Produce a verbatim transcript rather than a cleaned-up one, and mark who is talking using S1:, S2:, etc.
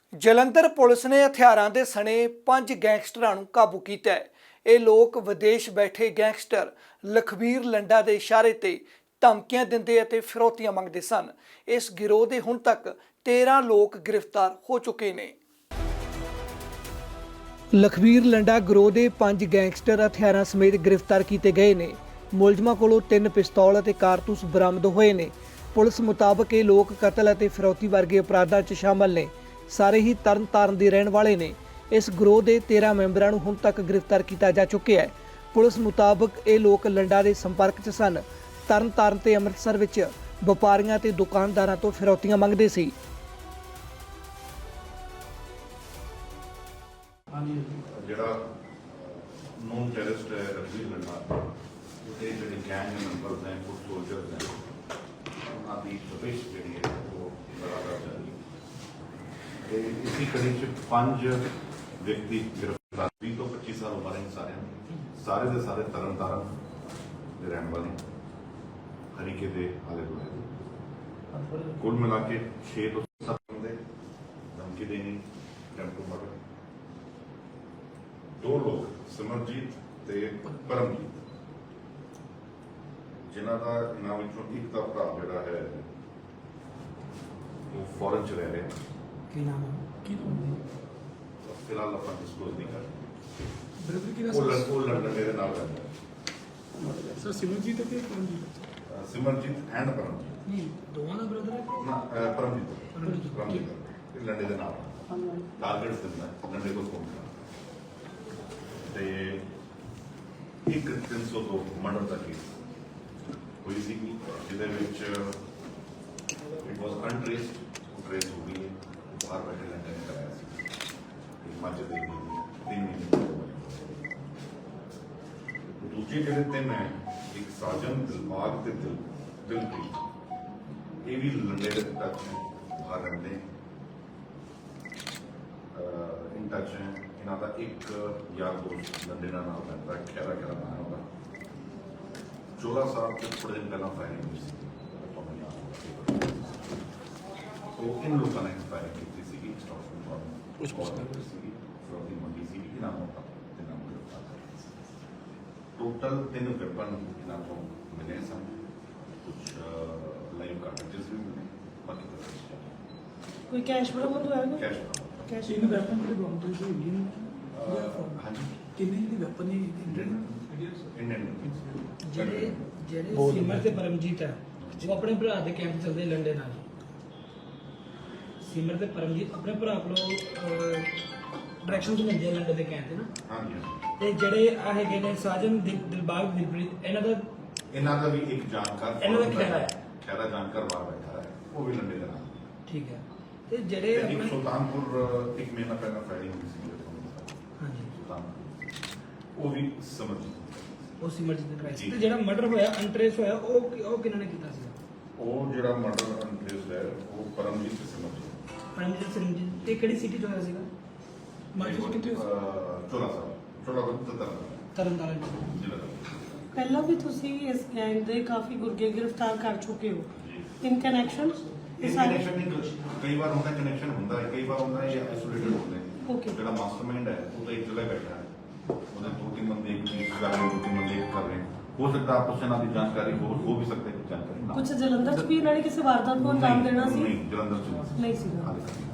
S1: Jalandhar police ਨੇ ਹਥਿਆਰਾਂ ਦੇ ਸਣੇ ਪੰਜ ਗੈਂਗਸਟਰਾਂ ਨੂੰ ਕਾਬੂ ਕੀਤਾ ਹੈ। ਇਹ ਲੋਕ ਵਿਦੇਸ਼ ਬੈਠੇ ਗੈਂਗਸਟਰ ਲਖਬੀਰ ਲੰਡਾ ਦੇ ਇਸ਼ਾਰੇ ਤੇ ਧਮਕੀਆਂ ਦਿੰਦੇ ਅਤੇ ਫਿਰੌਤੀਆਂ ਮੰਗਦੇ ਸਨ। ਇਸ ਗਿਰੋਹ ਦੇ ਹੁਣ ਤੱਕ ਤੇਰਾਂ ਲੋਕ ਗ੍ਰਿਫਤਾਰ ਹੋ ਚੁੱਕੇ ਨੇ। ਲਖਬੀਰ ਲੰਡਾ ਗਿਰੋਹ ਦੇ ਪੰਜ ਗੈਂਗਸਟਰ ਹਥਿਆਰਾਂ ਸਮੇਤ ਗ੍ਰਿਫਤਾਰ ਕੀਤੇ ਗਏ ਨੇ। ਮੁਲਜ਼ਮਾਂ ਕੋਲੋਂ ਤਿੰਨ ਪਿਸਤੌਲ ਅਤੇ ਕਾਰਤੂਸ ਬਰਾਮਦ ਹੋਏ ਨੇ। ਪੁਲਿਸ ਮੁਤਾਬਕ ਇਹ ਲੋਕ ਕਤਲ ਅਤੇ ਫਿਰੌਤੀ ਵਰਗੇ ਅਪਰਾਧਾਂ 'ਚ ਸ਼ਾਮਲ ਨੇ। ਸਾਰੇ ਹੀ ਤਰਨ ਤਾਰਨ ਦੇ ਰਹਿਣ ਵਾਲੇ ਨੇ। ਇਸ ਗਿਰੋਹ ਦੇ ਤੇਰਾਂ ਮੈਂਬਰਾਂ ਨੂੰ ਹੁਣ ਤੱਕ ਗ੍ਰਿਫਤਾਰ ਕੀਤਾ ਜਾ ਚੁੱਕਿਆ ਹੈ। ਪੁਲਿਸ ਮੁਤਾਬਕ ਇਹ ਲੋਕ ਲੰਡਾ ਦੇ ਸੰਪਰਕ 'ਚ ਸਨ। ਤਰਨ ਤਾਰਨ ਤੇ ਅੰਮ੍ਰਿਤਸਰ ਵਿੱਚ ਵਪਾਰੀਆਂ ਤੇ ਦੁਕਾਨਦਾਰਾਂ ਤੋਂ ਫਿਰੌਤੀਆਂ ਮੰਗਦੇ ਸੀ।
S2: ਜਿਹੜਾ ਨੋਨ ਟੈਰਰਿਸਟ ਹੈ ਲਖਬੀਰ ਲੰਡਾ, ਉਹਦੇ ਜਿਹੜੇ ਗੈਂਗ ਮੈਂਬਰਸ ਹੈ, ਕੁਝ ਸੋਲਜਰਸ ਹੈ, ਉਹਨਾਂ ਦੀ ਤਫਤੀਸ਼ ਜਿਹੜੀ ਹੈ ਉਹ ਬਰਾਬਰ ਜਾਰੀ ਹੈ। ਤੇ ਇਸੀ ਕੜੀ 'ਚ ਪੰਜ ਵਿਅਕਤੀ ਗ੍ਰਿਫਤਾਰ, ਵੀਹ ਤੋਂ ਪੱਚੀ ਸਾਲ ਉਮਰ ਹੈ ਸਾਰਿਆਂ ਦੀ, ਸਾਰੇ ਦੇ ਸਾਰੇ ਤਰਨ ਤਾਰਨ ਦੇ ਰਹਿਣ ਵਾਲੇ, ਹਰੀਕੇ ਦੇ ਆਲੇ ਦੁਆਲੇ। ਕੁੱਲ ਮਿਲਾ ਕੇ ਛੇ ਤੋਂ ਸੱਤ ਬੰਦੇ ਧਮਕੀ ਦੇਣੀ, ਟੈਂਪੂ ਮਰਡਰ। ਦੋ ਲੋਕ ਸਿਮਰਜੀਤ ਤੇ ਪਰਮਜੀਤ, ਜਿਨ੍ਹਾਂ ਦਾ ਇਹਨਾਂ ਵਿੱਚੋਂ ਇੱਕ ਦਾ ਭਰਾ ਜਿਹੜਾ ਹੈ ਉਹ ਫੋਰਨ ਚ ਰਹਿ ਰਿਹਾ।
S3: ਕੀ ਨਾਮ ਹੈ? ਕੀ ਨਾਮ
S2: ਫਿਲਹਾਲ ਆਪਾਂ ਡਿਸਕਲੋਜ਼ ਨਹੀਂ ਕਰ ਸਕਦੇ।
S3: ਬ੍ਰਦਰ ਕੀ
S2: ਉਹ
S3: ਨਾਮ
S2: ਲੜ- ਉਹ ਲੰਡਨ ਦੇ ਨਾਲ ਰਹਿੰਦਾ।
S3: ਸਰ? ਸਿਮਰਜੀਤ ਤੇ ਪਰਮਜੀਤ?
S2: ਅਹ ਸਿਮਰਜੀਤ ਐਂਡ ਪਰਮਜੀਤ।
S3: ਨਹੀਂ, ਦੋਵਾਂ ਦਾ ਬ੍ਰਦਰ ਹੈ।
S2: ਨਾ, ਅਹ ਪਰਮਜੀਤ ਪਰਮਜੀਤ ਇਹ ਲੰਡੇ ਦੇ ਨਾਲ ਟਾਰਗੇਟਸ ਦਿੰਦਾ, ਲੰਡੇ ਕੋਲ ਫੋਨ ਕਰਦਾ। ਤੇ ਇੱਕ ਤਿੰਨ ਸੌ ਦੋ ਮਰਡਰ ਦਾ ਕੇਸ ਹੋਈ ਸੀ, ਜਿਹਦੇ ਵਿੱਚ ਇਟ ਵਾਸ ਅਨਟ੍ਰੇਸਡ, ਟ੍ਰੇਸ ਹੋ ਗਈ ਹੈ। ਬਾਹਰ ਬੈਠੇ ਲੰਡੇ ਨੇ ਕਰਾਇਆ ਸੀ, ਹਿਮਾਚਲ ਦੇ ਤਿੰਨ ਮਹੀਨੇ। ਦੂਜੇ ਜਿਹੜੇ ਤਿੰਨ ਹੈ, ਇੱਕ ਸਾਜਨ, ਦਿਲਬਾਗ ਤੇ ਦਿਲ ਦਿਲਪ੍ਰੀਤ, ਇਹ ਵੀ ਲੰਡੇ ਦੇ ਟੱਚ ਹੈ, ਬਾਹਰ ਰਹਿੰਦੇ ਇਨ ਟੱਚ ਹੈ। ਇਹਨਾਂ ਦਾ ਇੱਕ ਯਾਰ ਦੋਸਤ ਲੰਡੇ ਦਾ ਨਾਮ ਰਹਿੰਦਾ, ਖੈਰਾ ਖੈਰਾ ਨਾਮ ਹੈ ਉਹਦਾ। ਚੋਲਾ ਸਾਹਿਬ ਤੋਂ ਥੋੜੇ ਦਿਨ ਪਹਿਲਾਂ ਫਾਇਰਿੰਗ ਹੋਈ ਸੀ, ਤੁਹਾਨੂੰ ਯਾਦ ਹੋਵੇਗਾ। ਉਹ ਇਨ ਲੋਕਾਂ ਨੇ ਫਾਇਰਿੰਗ ਕੀਤੀ ਸੀਗੀ, ਸਟਾਫ ਨੂੰ ਕੁਝ ਪੁੱਛਦੇ ਸੀਗੀ, ਫਰੋਤੀ ਮੰਗੀ ਸੀ ਕਿ ਨਾਮ ਹੋਤਾ ਤੇ ਨਾਮ ਗ੍ਰਿਫਤਾਰ ਕਰ ਸੀ। ਟੋਟਲ ਤਿੰਨ ਵੈਪਨ ਇਹਨਾਂ ਤੋਂ ਮਿਲੇ ਸਨ, ਕੁਝ ਲਾਈਵ ਕਾਰਟ੍ਰਿਜਸ ਵੀ ਮਿਲੇ, ਬਾਕੀ ਤਾਂ
S4: ਕੋਈ ਕੈਸ਼ ਬਰਾਮਦ ਹੋਇਆ ਨਾ?
S2: ਕੈਸ਼
S4: ਕੈਸ਼
S3: ਇਹਨੂੰ ਵੈਪਨ ਕਿਹੜੇ ਬਰਾਮਦ ਹੋਏ ਸੀ? ਇੰਡੀਅਨ?
S2: ਹਾਂਜੀ
S3: ਕਿੰਨੇ ਦੀ ਵੈਪਨ ਨੇ?
S2: ਇੰਡੀਅਨ
S5: ਜਿਹੜੇ ਜਿਹੜੇ ਸਿਮਰ ਤੇ ਪਰਮਜੀਤ ਹੈ, ਉਹ ਆਪਣੇ ਭਰਾ ਦੇ ਕੈਂਪ ਚੱਲਦੇ ਲੰਡੇ ਨਾਲ। ਸਿਮਰ ਤੇ ਪਰਮਜੀਤ ਆਪਣੇ ਭਰਾ ਕੋਲੋਂ ਡਾਇਰੈਕਸ਼ਨ ਤੋਂ ਲੈਂਦੇ ਆ ਲੰਡੇ ਦੇ ਕੈਂਪ ਤੇ ਨਾ।
S2: ਹਾਂਜੀ।
S5: ਤੇ ਜਿਹੜੇ ਆ ਹੈਗੇ ਨੇ ਸਾਜਨ, ਦਿਲ- ਦਿਲਬਾਗ, ਦਿਲਪ੍ਰੀਤ, ਇਹਨਾਂ ਦਾ
S2: ਇਹਨਾਂ ਦਾ ਵੀ ਇੱਕ ਜਾਣਕਾਰ,
S5: ਇਹਨਾਂ ਦਾ ਖਹਿਰਾ ਹੈ।
S2: ਖਹਿਰਾ ਜਾਣਕਾਰ ਬਾਹਰ ਬੈਠਾ ਹੈ, ਉਹ ਵੀ ਲੰਡੇ ਦਾ ਨਾਮ।
S5: ਠੀਕ ਹੈ। ਤੇ
S2: ਤੇ
S5: ਜਿਹੜੇ
S2: ਇੱਕ
S5: ਆਪਣੇ
S2: ਸੁਲਤਾਨਪੁਰ ਇੱਕ ਮਹੀਨਾ ਪਹਿਲਾਂ ਫਾਇਰਿੰਗ ਹੋਈ ਸੀ
S5: ਹਾਂਜੀ,
S2: ਸੁਲਤਾਨਪੁਰ, ਉਹ ਵੀ ਸਮਝ।
S5: ਉਹ ਸਿਮਰਜੀਤ ਦੇ ਭਰਾ ਸੀ।
S2: ਜੀ।
S5: ਤੇ ਜਿਹੜਾ ਮਰਡਰ ਹੋਇਆ, ਅਨਟ੍ਰੇਸ ਹੋਇਆ, ਉਹ ਕਿ- ਉਹ ਕਿਹਨਾਂ ਨੇ ਕੀਤਾ ਸੀ?
S2: ਉਹ ਜਿਹੜਾ ਮਰਡਰ ਅਨਟ੍ਰੇਸਡ ਹੈ, ਉਹ ਪਰਮਜੀਤ ਤੇ ਸਮਝ।
S5: ਪਰਮਜੀਤ, ਸਿਮਰਜੀਤ। ਤੇ ਕਿਹੜੀ ਸਿਟੀ ਤੋਂ ਹੋਇਆ ਸੀਗਾ?
S3: ਮਾਰਕੀਟ ਕਿੱਥੇ ਹੋਈ?
S2: ਚੋਲਾ ਸਾਹਿਬ, ਚੋਲਾ ਬੰਦ
S5: ਤਰਨਤਾਰਨ ਤੋਂ।
S2: ਜ਼ਿਲ੍ਹਾ।
S4: ਪਹਿਲਾਂ ਵੀ ਤੁਸੀਂ ਇਸ ਗੈਂਗ ਦੇ ਕਾਫੀ ਗੁਰਗੇ ਗ੍ਰਿਫਤਾਰ ਕਰ ਚੁੱਕੇ ਹੋ। ਇਨ ਕਨੈਕਸ਼ਨ
S2: ਇਹ ਕਨੈਕਸ਼ਨ ਨਹੀਂ, ਕਈ ਵਾਰ ਹੁੰਦਾ ਕਨੈਕਸ਼ਨ ਹੁੰਦਾ ਹੈ, ਕਈ ਵਾਰ ਹੁੰਦਾ ਹੈ ਆਈਸੋਲੇਟਡ ਹੁੰਦੇ ਨੇ।
S4: Okay.
S2: ਜਿਹੜਾ ਮਾਸਟਰਮਾਈਂਡ ਹੈ ਉਹ ਤਾਂ ਇੱਕ ਜਗ੍ਹਾ ਬੈਠਾ ਹੈ, ਉਹਦੇ ਦੋ ਤਿੰਨ ਬੰਦੇ ਇੱਕ ਚੀਜ਼ ਕਰ ਰਹੇ, ਦੋ ਤਿੰਨ ਬੰਦੇ ਇੱਕ ਕਰ ਰਹੇ। ਹੋ ਸਕਦਾ ਆਪਸ ਇਹਨਾਂ ਦੀ ਜਾਣਕਾਰੀ ਹੋ ਹੋ ਵੀ ਸਕਦਾ ਹੈ, ਜਾਣਕਾਰੀ ਨਾ।
S4: ਕੁਝ ਜਲੰਧਰ ਚ ਵੀ ਇਹਨਾਂ ਨੇ ਕਿਸੇ ਵਾਰਦਾਤ ਨੂੰ ਅੰਜਾਮ ਦੇਣਾ ਸੀ?
S2: ਨਹੀਂ, ਜਲੰਧਰ ਚ
S4: ਨਹੀਂ ਸੀਗਾ।
S2: ਹਾਲੇ ਤੱਕ।